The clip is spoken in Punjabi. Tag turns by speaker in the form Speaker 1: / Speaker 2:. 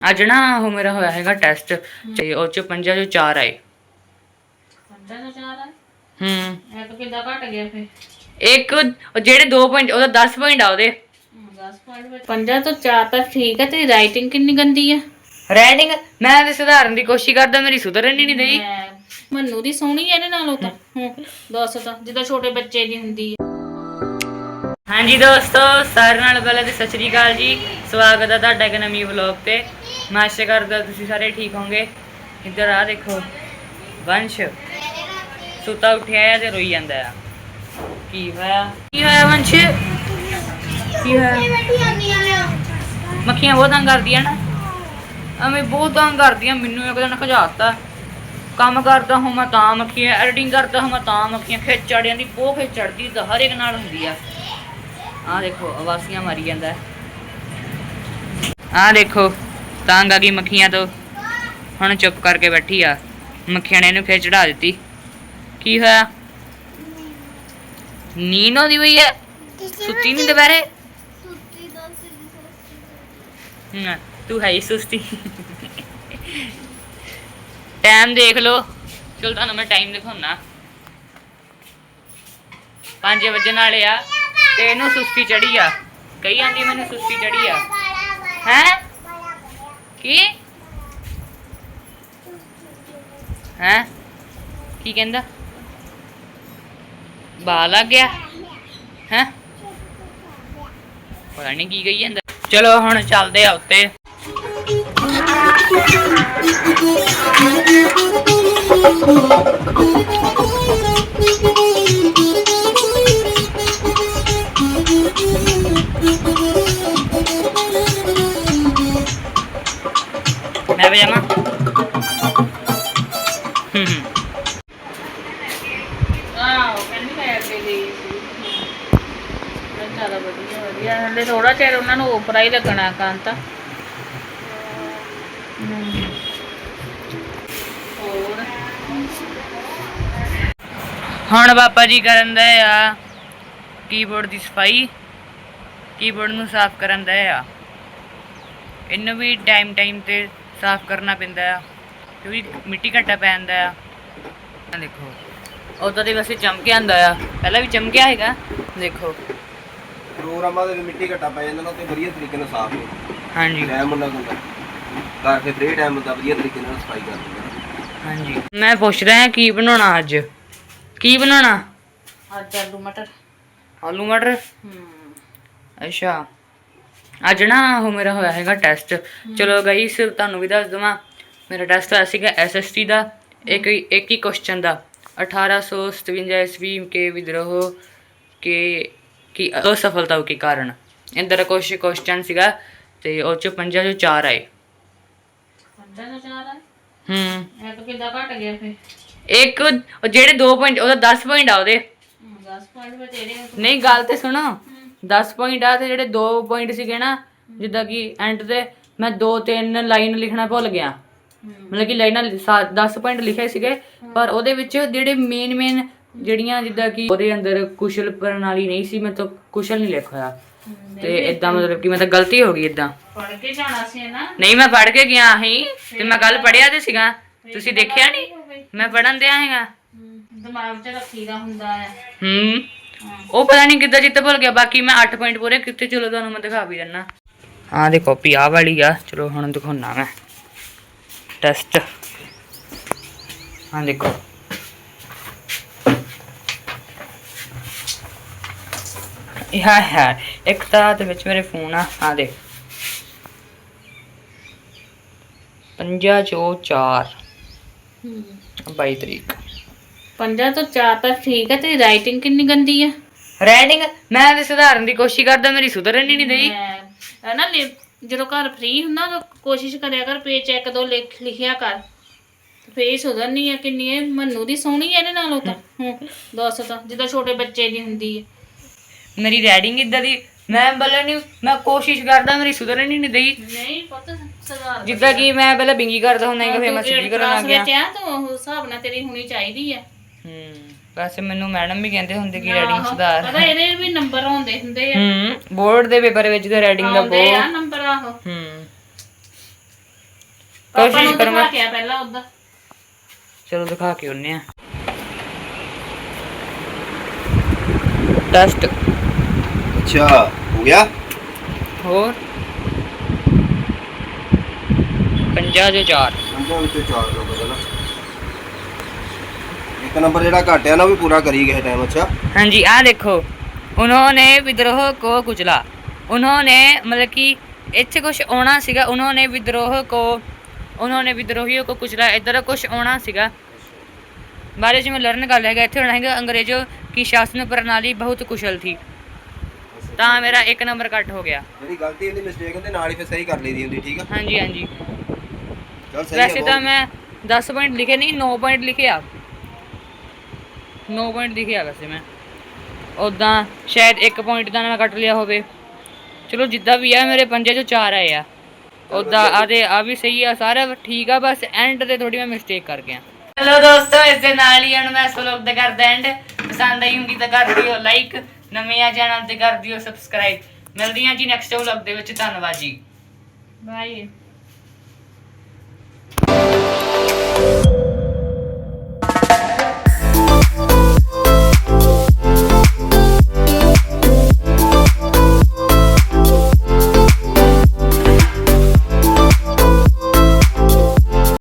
Speaker 1: ਅੱਜ ਨਾ ਉਹ ਮੇਰਾ ਹੋਇਆ ਹੈਗਾ ਟੈਸਟ ਤੇ ਉਹ ਚ 5 ਚੋਂ 4 ਆਏ।
Speaker 2: 5 ਚੋਂ 4 ਆਏ?
Speaker 1: ਇਹ
Speaker 2: ਤਾਂ ਕਿੱਦਾਂ ਘਟ ਗਿਆ ਫੇ?
Speaker 1: ਇੱਕ ਜਿਹੜੇ 2 ਪੁਆਇੰਟ ਉਹਦਾ 10 ਪੁਆਇੰਟ ਆ ਉਹਦੇ।
Speaker 2: 10 ਪੁਆਇੰਟ 5 ਤੋਂ 4 ਤਾਂ ਠੀਕ ਹੈ। ਤੇਰੀ ਰਾਈਟਿੰਗ ਕਿੰਨੀ ਗੰਦੀ ਆ।
Speaker 1: ਰਾਈਟਿੰਗ ਮੈਂ ਤੇ ਸੁਧਾਰਨ ਦੀ ਕੋਸ਼ਿਸ਼ ਕਰਦਾ, ਮੇਰੀ ਸੁਧਰਨ ਹੀ ਨਹੀਂ ਦਈ।
Speaker 2: ਮੰਨੂ ਦੀ ਸੋਹਣੀ ਇਹਦੇ ਨਾਲੋਂ ਤਾਂ। ਦੱਸ ਤਾਂ ਜਿੱਦਾਂ ਛੋਟੇ ਬੱਚੇ ਦੀ ਹੁੰਦੀ ਹੈ।
Speaker 1: ਹਾਂਜੀ ਦੋਸਤੋ, ਸਾਰਿਆਂ ਨਾਲ ਪਹਿਲਾਂ ਤੇ ਸਤਿ ਸ਼੍ਰੀ ਅਕਾਲ ਜੀ। ਸਵਾਗਤ ਹੈ ਤੁਹਾਡਾ ਇੱਕ ਨਵੀਂ ਵਲੌਗ ਤੇ। ਮੈਂ ਆਸ਼ਾ ਕਰਦਾ ਤੁਸੀਂ ਸਾਰੇ ਠੀਕ ਹੋਵੋਗੇ। ਇੱਧਰ ਆ ਦੇਖੋ, ਵੰਸ਼ ਸੁੱਤਾ ਉੱਠਿਆ ਆ ਤੇ ਰੋਈ ਜਾਂਦਾ ਆ। ਕੀ ਹੋਇਆ ਵੰਸ਼? ਕੀ ਹੋਇਆ? ਮੱਖੀਆਂ ਬਹੁਤ ਤੰਗ ਕਰਦੀਆਂ ਨਾ, ਐਵੇਂ ਬਹੁਤ ਤੰਗ ਕਰਦੀਆਂ ਮੈਨੂੰ। ਇੱਕ ਦਿਨ ਖਜਾਤਾ, ਕੰਮ ਕਰਦਾ ਹਾਂ ਮੈਂ ਤਾਂ ਮੱਖੀਆਂ, ਐਡੀਟਿੰਗ ਕਰਦਾ ਹਾਂ ਮੈਂ ਤਾਂ ਮੱਖੀਆਂ। ਖਿੱਚ ਚੜ ਜਾਂਦੀ, ਬਹੁਤ ਖਿੱਚ ਚੜਦੀ, ਤਾਂ ਹਰ ਇੱਕ ਨਾਲ ਹੁੰਦੀ ਆ। ਆਹ ਦੇਖੋ ਆਵਾਸੀਆਂ ਮਾਰੀ ਜਾਂਦਾ। ਆਹ ਦੇਖੋ ਤੰਗ ਆ ਗਈ ਮੱਖੀਆਂ ਤੋਂ, ਹੁਣ ਚੁੱਪ ਕਰਕੇ ਬੈਠੀ ਆ। ਮੱਖੀਆਂ ਨੇ ਇਹਨੂੰ ਫਿਰ ਚੜਾ ਦਿੱਤੀ। ਕੀ ਹੋਇਆ? ਨੀਂਦ ਆਉਂਦੀ ਪਈ ਹੈ? ਸੁੱਤੀ ਨਹੀਂ ਦੁਪਹਿਰੇ? ਤੂੰ ਹੈ ਹੀ ਸੁਸਤੀ। ਟਾਈਮ ਦੇਖ ਲੋ, ਚਲ ਤੁਹਾਨੂੰ ਮੈਂ ਟਾਈਮ ਦਿਖਾਉਣਾ। 5 ਵਜੇ ਵਾਲੇ ਆ ਤੇ ਇਹਨੂੰ ਸੁਸਤੀ ਚੜੀ ਆ। ਕਹੀ ਜਾਂਦੀ ਮੈਨੂੰ ਸੁਸਤੀ ਚੜੀ ਆ। ਹੈ ਕੀ ਹੈ? ਕੀ ਕਹਿੰਦਾ? ਬਾਲ ਲੱਗ ਗਿਆ ਹੈ? ਪਤਾ ਨਹੀਂ ਕੀ ਕਹੀ ਜਾਂਦਾ। ਚਲੋ ਹੁਣ ਚੱਲਦੇ ਆ ਉੱਤੇ। मैं पजामा
Speaker 2: ਹਲੇ ਥੋੜਾ ਚਿਰ ਉਹਨਾਂ ਨੂੰ ਉਪਰਾ ਹੀ ਲੱਗਣਾ ਕੰਤ।
Speaker 1: ਹੁਣ ਬਾਬਾ ਜੀ ਕਰਨ ਦੇ ਆ ਕੀਬੋਰਡ ਦੀ ਸਫਾਈ, ਕੀਬੋਰਡ ਨੂੰ ਸਾਫ਼ ਕਰਨ ਦੇ ਆ। ਇਹਨੂੰ ਵੀ ਟਾਈਮ ਤੇ ਸਾਫ਼ ਕਰਨਾ ਪੈਂਦਾ ਆ ਕਿਉਂਕਿ ਮਿੱਟੀ ਘੱਟਾ ਪੈ ਜਾਂਦਾ ਆ। ਦੇਖੋ ਉਦੋਂ ਤੇ ਵੈਸੇ ਚਮਕਿਆ ਹੁੰਦਾ ਆ, ਪਹਿਲਾਂ ਵੀ ਚਮਕਿਆ ਹੈਗਾ। ਦੇਖੋ
Speaker 3: ਪ੍ਰੋਗਰਾਮਾਂ ਦੇ ਮਿੱਟੀ ਘੱਟਾ ਪੈ ਜਾਂਦਾ ਨਾ, ਤੇ ਵਧੀਆ ਤਰੀਕੇ ਨਾਲ ਸਾਫ਼ ਹੋ।
Speaker 1: ਹਾਂਜੀ
Speaker 3: ਟਾਈਮ ਉਹਨਾਂ ਹੁੰਦਾ ਘਰ ਦੇ ਫ੍ਰੀ ਟਾਈਮ ਹੁੰਦਾ, ਵਧੀਆ ਤਰੀਕੇ ਨਾਲ ਸਫਾਈ ਕਰ ਦਿੰਦਾ।
Speaker 1: ਹਾਂਜੀ ਮੈਂ ਪੁੱਛ ਰਿਹਾ ਕੀ ਬਣਾਉਣਾ ਅੱਜ? ਕੀ ਬਣਾਉਣਾ
Speaker 2: ਅੱਜ? ਆਲੂ ਮਟਰ।
Speaker 1: ਆਲੂ ਮਟਰ? ਅੱਛਾ ਅੱਜ ਨਾ ਉਹ ਮੇਰਾ ਹੋਇਆ ਹੈਗਾ ਟੈਸਟ। ਚਲੋ ਗਾਈਸ ਤੁਹਾਨੂੰ ਵੀ ਦੱਸ ਦਵਾਂ, ਮੇਰਾ ਟੈਸਟ ਹੋਇਆ ਸੀਗਾ SST ਦਾ। ਇੱਕ ਹੀ ਕੁਐਸਚਨ ਦਾ 1857 ईस्वी के विद्रोह के की असफलता के कारण। इधर कुछ क्वेश्चन ਸੀਗਾ ਤੇ ਉਹ ਚ 5 ਚੋਂ 4 ਆਏ।
Speaker 2: 5 ਤੋਂ 4 ਆਏ? ਇਹ ਤਾਂ ਕਿੱਦਾਂ ਘਟ ਗਿਆ ਫੇ?
Speaker 1: ਇੱਕ ਜਿਹੜੇ 2 ਪੁਆਇੰਟ ਉਹਦਾ 10 ਪੁਆਇੰਟ ਆ ਉਹਦੇ।
Speaker 2: 10 ਪੁਆਇੰਟ ਤੇਰੇ? ਨਹੀਂ,
Speaker 1: ਗੱਲ ਤੇ ਸੁਣੋ। 10 ਪੁਆਇੰਟ ਆ ਤੇ ਜਿਹੜੇ 2 ਪੁਆਇੰਟ ਸੀਗੇ ਨਾ, ਜਿੱਦਾਂ ਕਿ ਐਂਡ ਤੇ ਮੈਂ 2-3 ਲਾਈਨ ਲਿਖਣਾ ਭੁੱਲ ਗਿਆ। ਮਤਲਬ ਕਿ ਲਾਈਨਾਂ 10 ਪੁਆਇੰਟ ਲਿਖੇ ਸੀਗੇ, ਪਰ ਉਹਦੇ ਵਿੱਚ ਜਿਹੜੇ ਮੇਨ ਜਿਹੜੀਆਂ ਜਿੱਦਾਂ ਕਿ ਉਹਦੇ ਅੰਦਰ ਕੁਸ਼ਲ ਪ੍ਰਣਾਲੀ ਨਹੀਂ ਸੀ, ਮੈਂ ਤਾਂ ਕੁਸ਼ਲ ਨਹੀਂ ਲਿਖ ਹੋਇਆ। ਤੇ ਇਦਾਂ ਮਤਲਬ ਕਿ ਮੈਂ ਤਾਂ ਗਲਤੀ ਹੋ ਗਈ। ਇਦਾਂ
Speaker 2: ਪੜ੍ਹ ਕੇ ਜਾਣਾ ਸੀ ਨਾ?
Speaker 1: ਨਹੀਂ, ਮੈਂ ਪੜ੍ਹ ਕੇ ਗਿਆ ਸੀ ਤੇ ਮੈਂ ਕੱਲ ਪੜ੍ਹਿਆ ਤੇ ਸੀਗਾ, ਤੁਸੀਂ ਦੇਖਿਆ ਨਹੀਂ? ਮੈਂ ਪੜ੍ਹਨ ਦਿਆ ਹੈਗਾ,
Speaker 2: ਦਿਮਾਗ 'ਚ ਰੱਖੀਦਾ ਹੁੰਦਾ ਹੈ।
Speaker 1: ਉਹ ਪਤਾ ਨਹੀਂ ਕਿੱਦਾਂ ਜਿੱਤ ਭੁੱਲ ਗਿਆ। ਬਾਕੀ ਮੈਂ 8 ਪੁਆਇੰਟ ਪੂਰੇ ਕੀਤੇ। ਚਲੋ ਤੁਹਾਨੂੰ ਮੈਂ ਦਿਖਾ ਵੀ ਦਿੰਦਾ। ਆਹ ਦੇ ਕਾਪੀ ਆਹ ਵਾਲੀ ਆ। ਚਲੋ ਹੁਣ ਦਿਖਾਉਣਾ ਮੈਂ ਟੈਸਟ। ਹਾਂ ਦੇਖੋ ਇਹ ਹੈ ਇੱਕ ਤਾਂ ਦੇ ਵਿੱਚ ਮੇਰੇ ਫੋਨ ਆ। ਆਹ ਦੇ 5 ਚੋਂ 4 22 ਤਰੀਕ।
Speaker 2: 5 ਤੋਂ 4 ਤਾਂ ਠੀਕ ਹੈ। ਤੇਰੀ ਰਾਈਟਿੰਗ ਕਿੰਨੀ ਗੰਦੀ ਆ।
Speaker 1: ਰਾਈਟਿੰਗ ਮੈਂ ਤੇ ਸੁਧਾਰਨ ਦੀ ਕੋਸ਼ਿਸ਼ ਕਰਦਾ, ਮੇਰੀ ਸੁਧਰਨ ਹੀ ਨਹੀਂ ਦਈ।
Speaker 2: ਨਾ ਜਦੋਂ ਘਰ ਫ੍ਰੀ ਹੁੰਦਾ ਤਾਂ ਕੋਸ਼ਿਸ਼ ਕਰਿਆ ਕਰ, ਪੇਜ 1-2 ਲਿਖਿਆ ਕਰ, ਫੇਰ ਸੁਧਰਨੀ ਆ। ਕਿੰਨੀ ਹੈ ਮੰਨੂ ਦੀ ਸੋਹਣੀ ਇਹਦੇ ਨਾਲੋਂ ਤਾਂ। ਦੱਸ ਤਾਂ ਜਿੱਦਾਂ ਛੋਟੇ ਬੱਚੇ ਦੀ ਹੁੰਦੀ ਹੈ।
Speaker 1: ਮੇਰੀ ਰਾਈਟਿੰਗ ਇਦਾਂ ਦੀ, ਮੈਂ ਬੋਲਣ ਨਹੀਂ, ਮੈਂ ਕੋਸ਼ਿਸ਼ ਕਰਦਾ, ਮੇਰੀ ਸੁਧਰਨ ਹੀ ਨਹੀਂ ਦਈ।
Speaker 2: ਨਹੀਂ ਪੁੱਤ ਸੁਧਾਰ।
Speaker 1: ਜਿੱਦਾਂ ਕਿ ਮੈਂ ਪਹਿਲਾਂ ਬਿੰਗੀ ਕਰਦਾ ਹੁੰਦਾ, ਫਿਰ ਮੈਂ ਸਿੱਧੀ ਕਰਨ ਲੱਗ ਗਿਆ।
Speaker 2: ਤਾਂ ਉਹ ਹਿਸਾਬ ਨਾਲ ਤੇਰੀ ਹੋਣੀ ਚਾਹੀਦੀ ਹੈ।
Speaker 1: ਵੈਸੇ ਮੈਨੂੰ ਮੈਡਮ ਵੀ ਕਹਿੰਦੇ ਹੁੰਦੇ ਕਿ ਰਾਈਟਿੰਗ ਸੁਧਾਰ।
Speaker 2: ਪਤਾ ਇਹਦੇ ਵੀ ਨੰਬਰ ਆਉਂਦੇ ਹੁੰਦੇ ਆ।
Speaker 1: ਬੋਰਡ ਦੇ ਪੇਪਰ ਵਿੱਚ ਤੇ ਰਾਈਟਿੰਗ ਦਾ ਬਹੁਤ
Speaker 2: ਨੰਬਰ ਆਹੋ। ਪਾਪਾ
Speaker 1: ਕੋਸ਼ਿਸ਼
Speaker 2: ਨੂੰ
Speaker 1: ਕਰਾਂਗਾ।
Speaker 2: ਦਿਖਾ ਕੇ ਆ ਪਹਿਲਾਂ ਉਹਦਾ।
Speaker 1: ਚਲੋ ਦਿਖਾ ਕੇ ਆਉਂਦੇ ਆ ਟੈਸਟ।
Speaker 3: ਅੱਛਾ ਹੋ ਗਿਆ।
Speaker 1: ਹੋਰ 50 ਚੋਂ 4।
Speaker 3: ਪੰਜਾਂ ਵਿੱਚੋਂ 4 ਨੰਬਰ ਹੈ ਨਾ। ਇੱਕ ਨੰਬਰ ਜਿਹੜਾ ਘੱਟ ਆ ਨਾ ਉਹ ਵੀ ਪੂਰਾ ਕਰੀ ਗਏ ਟਾਈਮ। ਅੱਛਾ
Speaker 1: ਹਾਂਜੀ आ देखो उन्होंने विद्रोह को कुचला। उन्होंने मतलब कि ਇੱਥੇ ਕੁਝ ਆਉਣਾ ਸੀਗਾ। उन्होंने विद्रोहियों को कुचला ਇੱਧਰ ਕੁਝ ਆਉਣਾ ਸੀਗਾ ਬਾਰੇ ਜਿਵੇਂ ਲਰਨ ਕਰ ਲਿਆ ਗਿਆ। ਇੱਥੇ ਹੋਣਾ ਹੈਗਾ ਅੰਗਰੇਜ਼ੋं की शासन प्रणाली बहुत कुशल थी। ਤਾਂ ਮੇਰਾ 1 ਨੰਬਰ ਕੱਟ ਹੋ ਗਿਆ।
Speaker 3: ਜਿਹੜੀ ਗਲਤੀ ਹੁੰਦੀ ਮਿਸਟੇਕ ਹੁੰਦੀ ਨਾਲ ਹੀ ਫਿਰ ਸਹੀ ਕਰ ਲਈਦੀ ਹੁੰਦੀ। ਠੀਕ ਆ
Speaker 1: ਹਾਂਜੀ ਹਾਂਜੀ
Speaker 3: ਚਲ ਸਹੀ
Speaker 1: ਵੈਸੇ
Speaker 3: ਹੈ
Speaker 1: ਤਾਂ ਮੈਂ 10 ਪੁਆਇੰਟ ਲਿਖੇ ਨਹੀਂ 9 ਪੁਆਇੰਟ ਲਿਖੇ ਆ। 9 ਪੁਆਇੰਟ ਲਿਖੇ ਆ ਵੈਸੇ ਮੈਂ। ਉੱਦਾਂ ਸ਼ਾਇਦ 1 ਪੁਆਇੰਟ ਦਾ ਮੈਂ ਕੱਟ ਲਿਆ ਹੋਵੇ। ਚਲੋ ਜਿੱਦਾਂ ਵੀ ਆ ਮੇਰੇ 5 ਚੋਂ 4 ਆਏ ਆ। ਉੱਦਾਂ ਆ ਵੀ ਸਹੀ ਆ ਸਾਰਾ ਠੀਕ ਆ ਬਸ ਐਂਡ ਤੇ ਥੋੜੀ ਮੈਂ ਮਿਸਟੇਕ ਕਰ ਗਿਆ। ਚਲੋ ਦੋਸਤੋ ਇਸ ਦੇ ਨਾਲ ਹੀ ਹੁਣ ਮੈਂ ਇਸ ਵਲੌਗ ਦਾ ਕਰਦਾ ਐਂਡ। ਪਸੰਦ ਆਈ ਹੋਊਗੀ ਤਾਂ ਕਰ ਦਿਓ ਲਾਈਕ, ਨਵੇਂ ਆ ਚੈਨਲ ਤੇ ਕਰ ਦਿਓ ਸਬਸਕ੍ਰਾਈਬ। ਮਿਲਦੀਆਂ ਜੀ ਨੈਕਸਟ ਵਲੌਗ ਦੇ ਵਿੱਚ। ਧੰਨਵਾਦ ਜੀ।
Speaker 2: ਬਾਏ।